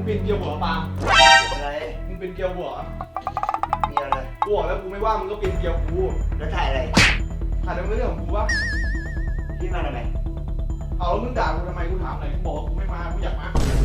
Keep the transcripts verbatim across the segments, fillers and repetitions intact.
งเป็นเกียวหัวปาล์มอะไรมึงเป็นเกียวหัวมีอะไรกูบอกแล้วกูไม่ว่ามึงก็เป็นเกียวกูแล้วถ่ายอะไรถ่ายทำไมเรื่องของกูวะพี่มาทำไมเอาแล้วมึงด่ากูทำไมกูถามหน่อยกูบอกว่ากูไม่มากูอยากมา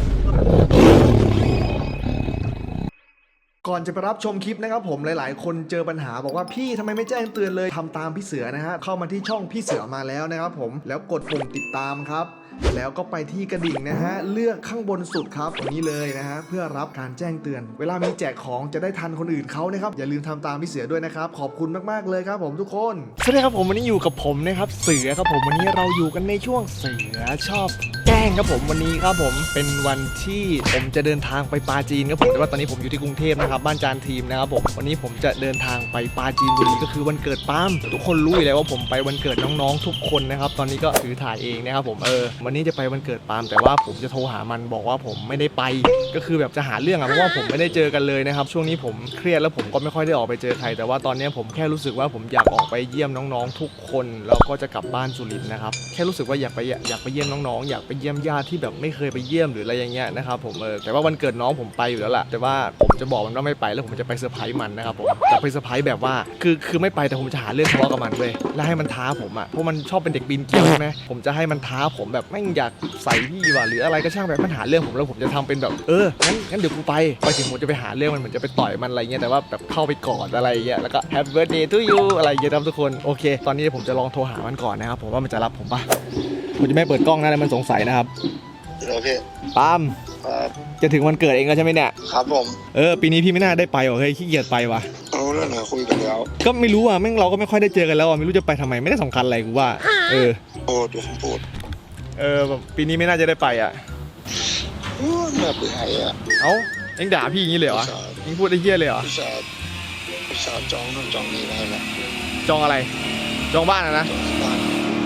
ก่อนจะไปรับชมคลิปนะครับผมหลายๆคนเจอปัญหาบอกว่าพี่ทำไมไม่แจ้งเตือนเลยทำตามพี่เสือนะฮะเข้ามาที่ช่องพี่เสือมาแล้วนะครับผมแล้วกดปุ่มติดตามครับแล้วก็ไปที่กระดิ่งนะฮะเลือกข้างบนสุดครับตรงนี้เลยนะฮะเพื่อรับการแจ้งเตือนเวลามีแจกของจะได้ทันคนอื่นเขานะครับอย่าลืมทำตามพี่เสือด้วยนะครับขอบคุณมากๆเลยครับผมทุกคนสวัสดีครับผมวันนี้อยู่กับผมนะครับเสือครับผมวันนี้เราอยู่กันในช่วงเสือชอบแกล้งครับผมวันนี้ครับผมเป็นวันที่ผมจะเดินทางไปปาจีนครับผมแต่ว่าตอนนี้ผมอยู่ที่กรุงเทพนะครับบ้านจานทีมนะครับผมวันนี้ผมจะเดินทางไปปาจีนบุรีก็คือวันเกิดปาล์มทุกคนรู้อยู่แล้วว่าผมไปวันเกิดน้องๆทุกคนนะครับตอนนี้ก็ถือถ่ายเองนะครับผมเออวันนี้จะไปวันเกิดปาล์มแต่ว่าผมจะโทรหามันบอกว่าผมไม่ได้ไปก็คือแบบจะหาเรื่องอะเพราะว่าผมไม่ได้เจอกันเลยนะครับช่วงนี้ผมเครียดแล้วผมก็ไม่ค่อยได้ออกไปเจอใครแต่ว่าตอนนี้ผมแค่รู้สึกว่าผมอยากออกไปเยี่ยมน้องๆทุกคนแล้วก็จะกลับบ้านสุรินทร์นะครับแค่รู้สึกว่าอยากไปอยากไปเยี่ยมน้องๆอยากไปเยี่ยมญาติที่แบบไม่เคยไปเยี่ยมหรืออะไรอย่างเงี้ยนะครับผมเออแต่ว่าวันเกิดน้องผมไปอยู่แล้วล่ะแต่ว่าผมจะบอกมันว่าไม่ไปแล้วผมจะไปเซอร์ไพรส์มันนะครับผมจะไปเซอร์ไพรส์แบบว่าคือคือไม่ไปแต่ผมจะหาเรื่องทะเลาะกับมันเว้ยแล้วให้มันท้าผมอ่ะเพราะมันชอบเป็นเด็กปีนเกลียวใช่ไหมผมจะให้มันท้าผมแบบไม่อยากใส่พี่ว่ะหรืออะไรก็ช่างแบบมันหาเรื่องผมแล้วผมจะทำเป็นแบบเอองั้นงั้นเดี๋ยวกูไปไปถึงผมจะไปหาเรื่องมันเหมือนจะไปต่อยมันอะไรเงี้ยแต่ว่าแบบเข้าไปกอดอะไรเงี้ยแล้วก็ Happy Birthday to you อะไรเงี้ยครับทุกคนโอเคตอนนี้ผมจะลองโทรหามันก่อนนะครับผมว่ามันจะรับผมปะผมจะไม่เปิดกล้องนะแต่มันสงสัยนะครับโอเคปาล์มครับจะถึงวันเกิดเองแล้วใช่ไหมเนี่ยครับผมเออปีนี้พี่ไม่น่าได้ไปว่ะเฮ้ยขี้เกียจไปว่ะเอาเรื่องไหนคุยกันแล้วก็ไม่รู้อ่ะแม่งเราก็ไม่ค่อยได้เจอกันแล้วอ่ะไม่รู้จะไปทำไมไม่ได้สำคัญอะไรกูว่าเออโอ้ดูผมพูดเออแบบปีนี้ไม่น่าจะได้ไปอ่ะโอ้น่าเบื่อไอ้อะเอ้าเอ็งด่าพี่อย่างนี้เลยเหรอเอ็งพูดไอ้เหี้ยเลยเหรอพี่ชายพี่ชายจองนู่นจองนี่ไว้แล้วจองอะไร จองบ้านอะนะจองที่บ้าน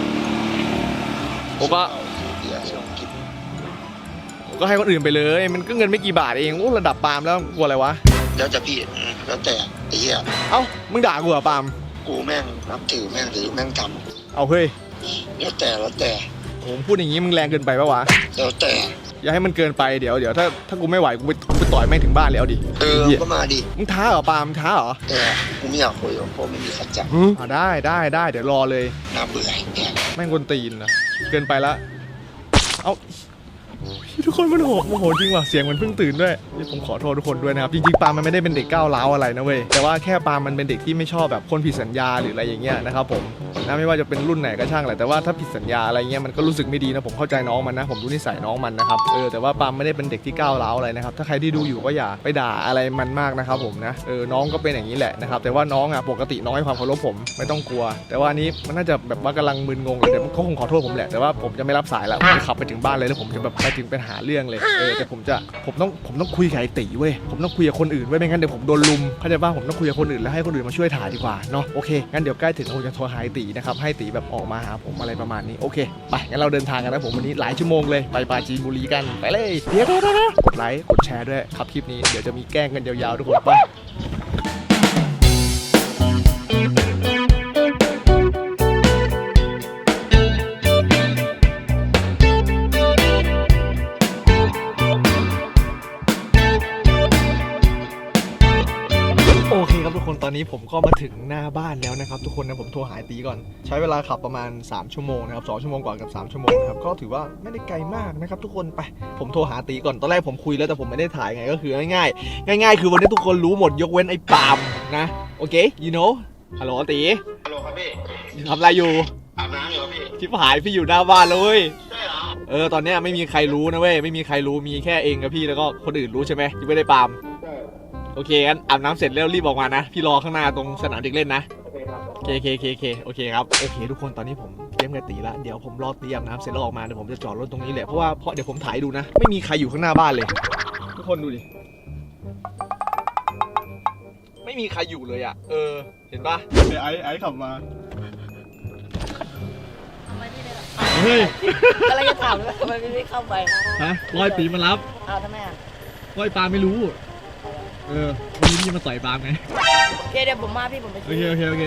ผมก็เดี๋ยวลองกินผมก็ให้คนอื่นไปเลยมันก็เงินไม่กี่บาทเองโอ้ระดับปาล์มแล้วกลัวอะไรวะแล้วจะพี่แล้วแต่ไอ้เหี้ยเอ้ามึงด่ากูเหรอปาล์มกูแม่งนับถือแม่งถือแม่งทเอาเฮ้ยำแล้วแต่แล้วแต่ผมพูดอย่างงี้มึงแรงเกินไปปะวะแล้วแต่อย่าให้มันเกินไปเดี๋ยวเดี๋ยวถ้าถ้ากูไม่ไหวกูไปกูไปต่อยแม่งถึงบ้านเลยเอาดิเออไหี้ยก็มาดิมึงท้าเหรอปาล์มท้าเหรอแต่กูไม่อยากคุยเพราะไม่มีขัดจับอ่าได้ได้ได้เดี๋ยวรอเลยน่าเบื่อไอ้เนี่ยแม่งกวนตีนนะเกินไปละเอ้าทุกคนมันโหโมโหจริงว่ะเสียงมันเพิ่งตื่นด้วยนี่ผมขอโทษทุกคนด้วยนะครับจริงๆปาล์มมันไม่ได้เป็นเด็กก้าวร้าวอะไรนะเว้ยแต่ว่าแค่ปาล์มมันเป็นเด็กที่ไม่ชอบแบบคนผิดสัญญาหรืออะไรอย่างเงี้ยนะครับผมนะไม่ว่าจะเป็นรุ่นไหนก็ช่างแหละแต่ว่าถ้าผิดสัญญาอะไรเงี้ยมันก็รู้สึกไม่ดีนะผมเข้าใจน้องมันนะผมรู้นิสัยน้องมันนะครับเออแต่ว่าปาล์มไม่ได้เป็นเด็กที่ก้าวร้าวอะไรนะครับถ้าใครที่ดูอยู่ก็อย่าไปด่าอะไรมันมากนะครับผมนะเออน้องก็เป็นอย่างนี้แหละนะครับแต่ว่าน้องอ่ะปกติน้องให้ความเคารพผมไม่ต้องกลัว แต่ว่านี้มันน่าจะแบบว่ากำลังมึนงงเลยเดี๋ยวเขาคงขอโทษผมแหละแต่ว่าผมจะไม่รับสายแล้วผมจะขับไปถึงบ้านเลยแล้วผมจะแบบไปถึงไปหาเรื่องเลยเออแต่ผมจะผมต้องผมต้องคุยกับไอ้ตีเว้ยผมต้องคุยกับคนอื่นเว้ยไม่งั้นเดี๋ยวผมโดนลุมเข้าใจป่ะผมต้องคุยกับคนอื่นแล้วให้คนอื่นมาช่วยถ่ายดีกว่าเนาะโอเคงั้นเดี๋ยวใกล้ถึงผมจะโทรหาไอ้ตีนะครับให้ตีแบบออกมาหาผมอะไรประมาณนี้โอเคไปงั้นเราเดินทางกันนะผมวันนี้หลายชั่วโมงเลยไปปราจีนบุรีกันไปเลยเดี๋ยวกดไลค์กดแชร์ด้วยครับคลิปนี้เดี๋ยวจะมีแกล้งกันยาวๆทุกคนไปโอเคครับทุกคนตอนนี้ผมก็มาถึงหน้าบ้านแล้วนะครับทุกคนนะผมโทรหาตีก่อนใช้เวลาขับประมาณสามชั่วโมงนะครับสองชั่วโมงกว่ากับสามชั่วโมงนะครับก็ถือว่าไม่ได้ไกลมากนะครับทุกคนไปผมโทรหาตีก่อนตอนแรกผมคุยแล้วแต่ผมไม่ได้ถ่ายไงก็คือง่ายๆง่ายๆคือวันนี้ทุกคนรู้หมดยกเว้นไอ้ปาล์มนะโอเค you know ฮัลโหลตีฮัลโหลครับพี่ทำอะไรอยู่อาบน้ำอยู่ครับพี่ชิบหายพี่อยู่หน้าบ้านเลยใช่เหรอเออตอนเนี้ยไม่มีใครรู้นะเว้ยไม่มีใครรู้มีแค่เองกับพี่แล้วก็คนอื่นรู้ใช่ไหมยังไม่ได้ปาล์มใช่โอเคงั้นอาบน้ำเสร็จแล้วรีบออกมานะพี่รอข้างหน้าตรงสนามเด็กเล่นนะโอเคครับโอเคโอเคโอเคโอเคโอเคครับโอเคทุกคนตอนนี้ผมเตรียมกับตีละเดี๋ยวผมรอตีอาบน้ำเสร็จแล้วออกมาเดี๋ยวผมจะจอดรถตรงนี้แหละเพราะว่าเพราะเดี๋ยวผมถ่ายดูนะไม่มีใครอยู่ข้างหน้าบ้านเลย ทุกคนดูดิไม่มีใครอยู่เลยอ่ะเออเห็นปะไอ้ไอ้ขับมาเฮ้ยอะไรจะถามเลยทำไมไม่เข้าไปฮะร้อยปีมารับอ้าวทำไมอ่ะร้อยปาไม่รู้เออวันนี้พี่มาต่อยปาไงโอเคเดี๋ยวผมมาพี่ผมไปโอเคโอเคโอเค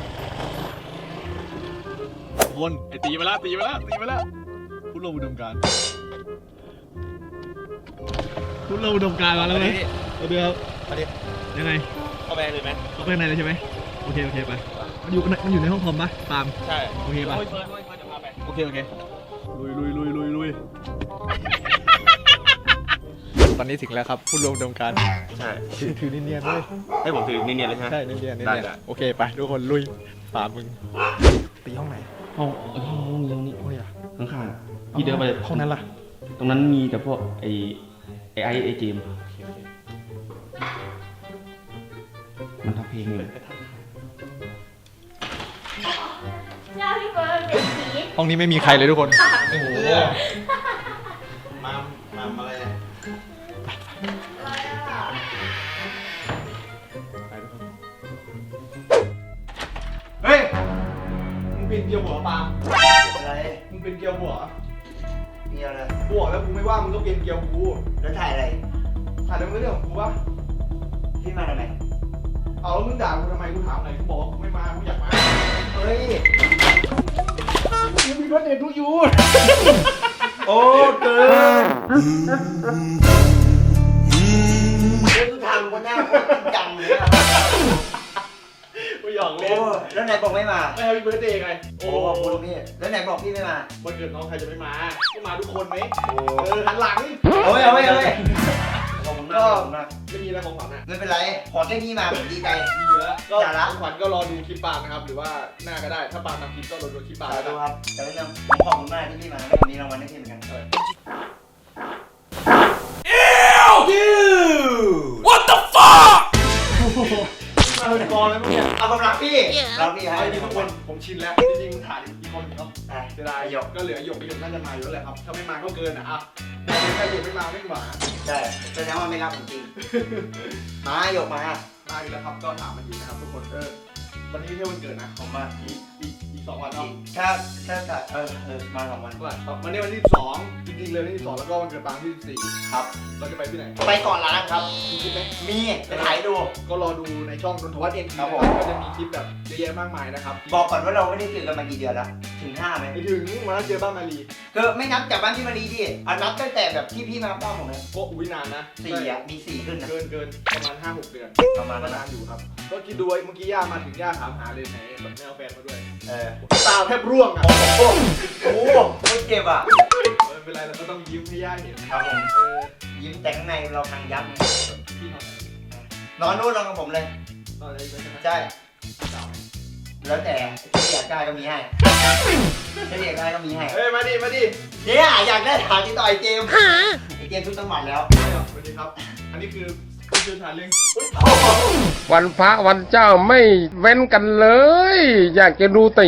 คนไอตีมาแล้วตีมาแล้วตีมาแล้วผู้ร่วมอุดมการณ์ผู้คุณเราอุดมการณ์มาแล้วไหมเอาเดี๋ยวมาดิยังไงเข้าไปเลยไหมเข้าไปข้างในเลยใช่ไหมโอเคโอเคไปมันอยู่มันอยู่ในห้องคอมปะปาล์มใช่โอเคปะโอ้ยเฟิร์นโอ้ยเฟิร์นจะพาไปโอเคโอเคลุยลุยลุยลุยลุยตอนนี้ถึงแล้วครับผู้ร่วมอุดมการณ์ใช่ถือถือเนียนๆด้วยให้ผมถือเนียนๆเลยใช่ไหมใช่เนียนๆเนียนได้ๆได้โอเคไปทุกคนลุยปาล์มมึงตีห้องไหนห้องห้องห้องนี้ห้องนี้ห้องนี้อะข้างๆพี่เดินไปห้องนั้นล่ะตรงนั้นมีแต่พวกไอ้ไอ้ไอ้ไอ้เจมส์มันทำเพลงเลยหน้าพี่เฟิร์นเป็นผีห้องนี้ไม่มีใครเลยทุกคนโอ้โหมามาอะไรเนี่ยเฮ้ยมึงเป็นเกียวหัวปาล์มอะไรมึงเป็นเกียวหัวมีอะไรกูบอกแล้วกูไม่ว่ามึงก็เป็นเกียวกูแล้วถ่ายอะไรถ่ายเรื่องเรื่องของกูปะพี่มาทำไมเอาแล้วมึงด่ากูทำไมกูถามหน่อยกูบอกว่ากูไม่มากูอยากมาเฮ้ยมึงมีรถเด็ดทุกยูโอ้เกินเรื่องทุกทางคนหน้าคนจริงจังเลยอะกูหยอกโอ้เล่นแล้วไหนบอกไม่มาไม่ให้พี่เบิร์ดเดย์ไงโอ้ขอบคุณพี่แล้วไหนบอกพี่ไม่มาวันเกิดน้องใครจะไม่มาก็มาทุกคนไหมโอ้เออหันหลังเอาไว้เอาไว้เอาไว้ขอบคุณมากขอบคุณมากไม่มีอะไรของขวัญอ่ะไม่เป็นไร ขอแค่นี้มาผมดีใจมีเยอะก็อย่าละของขวัญก็รอดูคลิปปาล์มนะครับหรือว่าหน้าก็ได้ถ้าปาล์มทำคลิปก็รอดูคลิปปาล์มสาแล้วธุกันครับแต่เรื่องผมขอบคุณมากที่พี่มาแล้ววันนี้รางวัลให้พี่เหมือนกันเออ What the fuck มาเป็นกองเลยเมื่อกี้เอาผมรักพี่รักพี่ให้ไอ้นี่ทุกคนผมชินแล้วจริงๆถ่ายอีกคนหนึงเนาะอ่ะเสียดายหยกก็เหลือหยกหยกน่าจะมาอยู่แล้วแหละครับถ้าไม่มาก็เกินอ่ะอ่ะถ้าหยกไม่มาไม่หวาใช่แสดงว่าไม่รักผมจริง มาหยกมามาอยู่แล้วครับก็ถามมาอีกนะครับทุกคนเออวันนี้ไม่ใช่วันเกิดนะผมมาอีกอีกอีกสองวันเนาะถ้าถ้าถ้าเออเออมาสองวันวันนี้วันที่สิบสองจริงๆเลยวันที่สิบสองแล้วก็วันเกิดปางที่สิบสี่ครับเราจะไปที่ไหนไปก่อนร้านครับมีคลิปไหมมีจะถ่ายดูก็รอดูในช่องนนทวัฒน์เอ็นครับผมก็จะมีคลิปแบบเยอะแยะมากมายนะครับบอกก่อนว่าเราไม่ได้เจอกันมากี่เดือนแล้วถึงห้าไหมไปถึงวันนั้นเจอบ้านมารีคือไม่นับจากบ้านพี่มารีดิเอานับตั้งแต่แบบที่พี่มาบ้านผมเลยก็อุ้ยนานนะสี่อ่ะมีสี่ขึ้นนะเกินเกินประมาณห้าหกเดือนประมาณก็นั้นนานะนอยู่ครับ ก็คิดดูไว้เมื่อกี้ย่ามาถึงย่าถามหาเลยไหนแบบไม่เอาแฟนมาด้วยเออตาแทบร่วงอ่ะโอ้โหโอ้โหไม่เจ็บอ่ะไม่เป็นไรเราก็ต้องยิ้มให้ย่าเห็นครับผมเออยิ้มแต่ข้างในเราทางยับไงพี่นอนนอนนู่นนอนกับผมเลยนอนอะไรไปใช่ไหมใช่สาวไหมแล้วแต่ที่อยากได้ก็มีให้ถ้าอยากได้ก็มีให้เฮ้ยมาดิมาดิเนี่ยอยากได้ถามที่ต่อไอเจมส์ไอเจมส์ทุกจังหวัดแล้วสวัสดีครับ อันนี้คือผู้เชี่ยวชาญเรื่องอุ๊ยวันพระวันเจ้าไม่เว้นกันเลย อยากจะดูแต่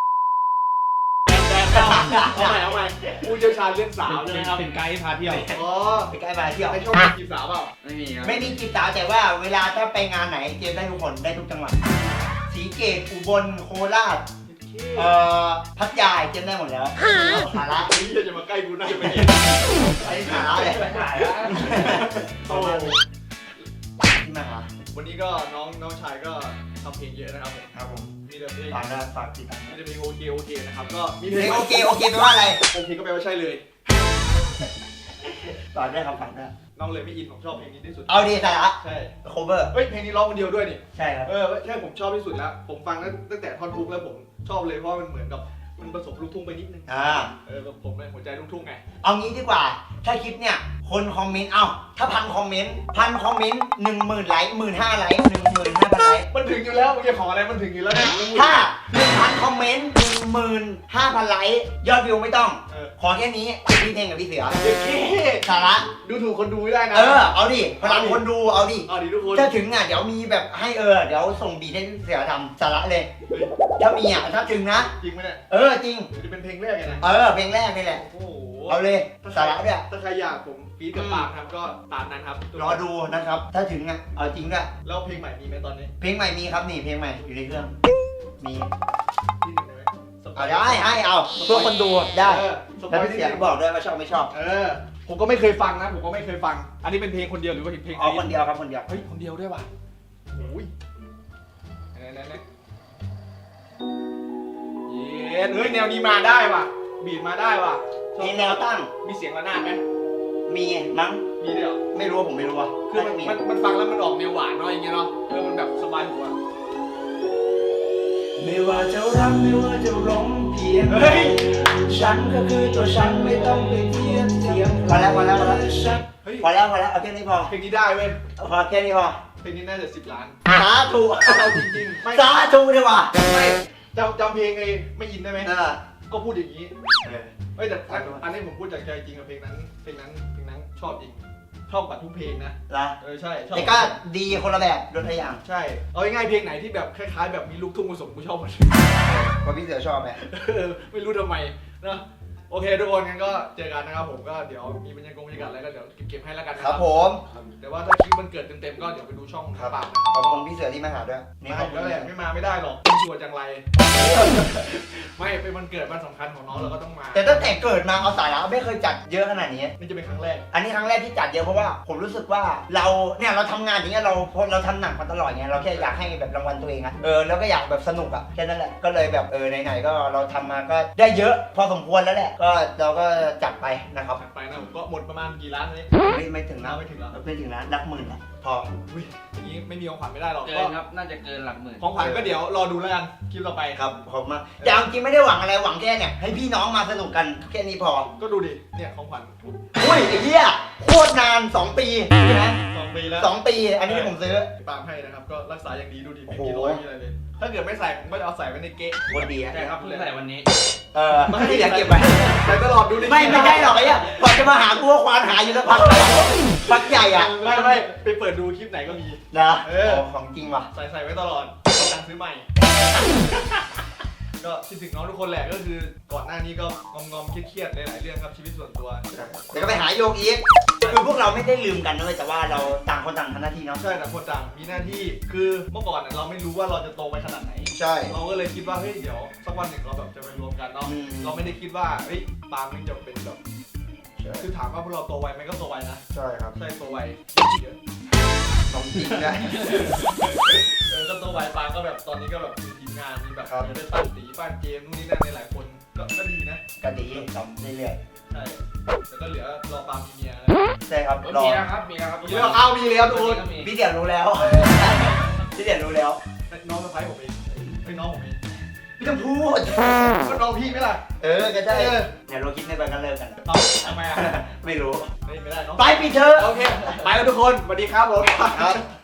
เอาใหม่เอาใหม่ผู้เชี่ยวชาญเรื่องสาวใช่ไหมครับเป็นไกด์พาเที่ยวอ๋อไปใกล้มาเที่ยวในช่องมีจีบสาวเปล่าไม่มีครับไม่มีจีบสาวแต่ว่าเวลาถ้าไปงานไหนเจมส์ได้ทุกคนได้ทุกจังหวัดศรีเกตอุบลโคราชเอ่อพัทยาเจมส์ได้หมดแล้วสาระไอ้เหี้ยจะมาใกล้กูน่าจะไปเห็นไอ้สาระเลยโอ้โหที่มาหาวันนี้ก็น้องน้องชายก็ทำเพลงเยอะนะครับผมครับผมมีแต่เพลงฝากนะฝากติดตามมีแต่เพลงโอเคโอเคนะครับ ก็มีเพเพลลงงโอเคโอเคแปลว่าอะไรโอเคก็แปลว่าใช่เลยฝากได้ครับฝากได้น้องเลยไม่อินผมชอบเพลงนี้ที่สุดเอาดีสาระใช่โคเวอร์เฮ้ยเพลงนี้ร้องคนเดียวด้วยนี่ใช่ครับเออใช่ผมชอบที่สุดแล้ว ผมฟังตั้งแต่ท่อนทุกแล้วผมชอบเลยเพราะมันเหมือนกับมันผสมลูกทุ่งไปนิดนึงอ่าเออแบบผมเป็นหัวใจลูกทุ่งไงเอางี้ดีกว่า ถ้าคลิปเนี่ย คนคอมเมนต์ เอ้า ถ้าพันคอมเมนต์ พันคอมเมนต์หนึ่งหมื่นไลค์หมื่นห้าไลค์หนึ่งหมื่นห้าพันไลค์มันถึงอยู่แล้วมึงจะขออะไรมันถึงอยู่แล้วเนี่ยถ้าหนึ่งพันคอมเมนต์หนึ่งหมื่นห้าพันไลค์ ยอดวิวไม่ต้องเออขอแค่นี้จะพี่เพลงกับพี่เสือเด็กเก้สาระดูถูกคนดูไม่ได้นะเออ เอาดิ พลังคนดู เอาดิเอาดิทุกคนถ้าถึงอ่ะ เดี๋ยวมีแบบให้เออ เดี๋ยวส่งบีทให้พี่เสือทำสาระเลยเฮ้ยถ้ามีอ่ะ ถ้าถึงนะจริงไหมเนี่ยเออ จริงจะเป็นเพลงแรกไงนะเออ เพลงแรกนี่แหละโอ้โหเอาเลย สาระด้วยถ้าใครอยากผมฟีดกับปากครับก็ตามนั้นครับรอดูนะครับ ถ้าถึงอ่ะ เอาจริงด้วยแล้วเพลงใหม่มีไหมตอนนี้เพลงใหม่มีครับนี่ เพลงใหม่อยู่ในเครื่อง มีที่หนึ่งได้ไหมสปเอายได้ให้เอาเพื่อคนดูได้เออสปแล้วอยพี่ที่เสียงบอกด้วยว่าชอบไม่ชอบเออผมก็ไม่เคยฟังนะผมก็ไม่เคยฟัง อันนี้เป็นเพลงคนเดียวหรือว่าเพลงเอาคนเดียวครับคนเดียวเฮ้ยคนเดียวด้วยว่ะโอ้ยไหนไหนไหนเย้เฮ้ยแนวนี้มาได้ว่ะบีดมาได้ว่ะชอบมีแนวตั้งมีเสียงระนาดไหมมีมั้งมีด้วยเหรอไม่รู้ว่าผมไม่รู้ว่าคือมันมันมันฟังแล้วมันออกแนวหวานเนาะอย่างเงี้ยเนาะเออมันแบบสบายหัวไม่ว่าจะรักไม่ว่าจะร้องเพียงเฮ้ยฉันก็คือตัวฉันไม่ต้องไปเทียบเทียมพอแล้วพอแล้วพอแล้วเฮ้ยพอแล้วพอแล้วเอาแค่นี้พอเพลงนี้ได้เว้ยพอแค่นี้พอเพลงนี้น่าจะสิบล้านสาธุเอาจริงๆไม่สาธุดีกว่าไม่จำจำเพลงไอ้ไม่ยินได้ไหมเออก็พูดอย่างนี้เออเฮ้ยแต่อันอันนี้ผมพูดจากใจจริงกับเพลงนั้นเพลงนั้นเพลงนั้นชอบจริงชอบกว่าทุกเพลงนะละเออใช่ชอบแต่ก็ดีคนละแบบโดนทุกอย่างใช่เอาง่ายๆเพลงไหนที่แบบคล้ายๆแบบมีลูกทุ่งผสมกูชอบหมดเพราะพี่เสือชอบไหมเออไม่รู้ทำไมนะโอเคทุกคนงั้นก็เจอกันนะครับผมก็เดี๋ยวมีบรรยากาศบรรยากาศอะไรก็เดี๋ยวเก็บๆให้แล้วกันนะคครัรับบ ผมแต่ว่าถ้าคลิปมันเกิดเต็มๆก็เดี๋ยวไปดูช่องน้ำปากนะคขรัอบบคุณพี่เสือที่มาหาด้วยไม่ขอบคุณแล้วแหละไม่มาไม่ได้หรอกชัวร์จังไร ไม่เป็นวันเกิดวันสำคัญของน้องเราก็ต้องมาแต่ตั้งแต่เกิดมาเอาสายแล้วไม่เคยจัดเยอะขนาดนี้นี่จะเป็นครั้งแรกอันนี้ครั้งแรกที่จัดเยอะเพราะว่าผมรู้สึกว่าเราเนี่ยเราทำงานอย่างเงี้ยเราพอเราทำหนักมาตลอดเงี้ยเราแค่อยากให้แบบรางวัลตัวเองอะเออแล้วก็อยากแบบสนุกอะแค่นั้นแหละก็เลยแบบเออไหนๆก็เราทำมาก็ได้เยอะพอสมควรแล้วแหละก็เราก็จัดไปนะครับถัดไปนะผมก็หมดประมาณกี่ล้านนี้ไม่ไม่ถึงนะไม่ถึงเหรอไม่ถึงนะรักหมื่นละพออุ้ยอย่างนี้ไม่มีของขวัญไม่ได้หรอกเกิก็นครับ น่าจะเกินหลักหมื่นของขวัญก็เดี๋ยวรอดูแล้วกันคลิปต่อไปครับผมมาแต่เอาจริงไม่ได้หวังอะไรหวังแค่เนี่ยให้พี่น้องมาสนุกกันแค่นี้พอก็ดูดิเนี่ยของขวัญอุ้ยไอ้เหี้ยโคตรนานสองปีใช่ไหมสองปีแล้วสองปีอันนี้ที่ผมซื้อปาล์มให้นะครับก็รักษาอย่างดีดูดิไม่โอ้มีโหรอยมีอะไรเลยถ้าเกิดไม่ใส่ผมก็จะเอาใส่ไว้ในเก๊ะคนดีอะใช่ครับเพิ่งเลยใส่วันนี้เออไม่อยากเก็บไว้ใส่ตลอดดูดิไม่ไม่ได้หรอกไอ้เนี่ยก่อนจะมาหากูว่าควานหาอยู่แล้วพักพักใหญ่อ่ะไม่ไม่ไปเปิดดูคลิปไหนก็มีนะเออโของจริงว่ะใส่ใส่ไว้ตลอดเอาตังค์ซื้อใหม่ ก็คิดถึงน้องทุกคนแหละก็คือก่อนหน้านี้ก็งอมงอมๆเครียดๆหลายๆเรื่องครับชีวิตส่วนตัวเดี๋ยวก็ไปหาโยกอีกคือพวกเราไม่ได้ลืมกันนะเลยแต่ว่าเราต่างคนต่างทำหน้าที่เนาะใช่แต่คนต่างมีหน้าที่คือเมื่อก่อนเราไม่รู้ว่าเราจะโตไปขนาดไหนใช่เราก็เลยคิดว่าเฮ้ยเดี๋ยวสักวันหนึ่งเราแบบจะไปรวมกันเนาะอืมเราไม่ได้คิดว่าเฮ้ยปาล์มมันจะเป็นแบบใช่คือถามว่าพวกเราโตไวไหมก็โตไวนะใช่ครับใช่โตไวเยอะของจริงได้เออก็โตไวปาล์มก็แบบตอนนี้ก็แบบมีทีมงานมีแบบครับได้ปั้นตีปั้นเกมนู่นนี่นั่นในหลายคนก็ก็ดีนะก็ดีทำเรื่อยใช่แล้วก็เหลือรอปาล์มมีเมียนะๆใช่ครับรอมีแล้วครับ มีแล้วครับมีแล้วเอามีแล้วทุกคนก็มีพี่เดียรู้แล้วพี่เดียรู้แล้วน้องสะพ้ายผมเองไอ้ยน้องผมเองไม่ต้องพูดก็น้องพี่ไหมล่ะเออก็ใช่เออเนี่ยเราคิดไม่ไปกันเลิกกันเอาทำไมอ่ะไม่รู้ไม่ไม่ได้น้องไปปิดเถอะโอเคไปแล้วทุกคนสวัสดีครับผมครับ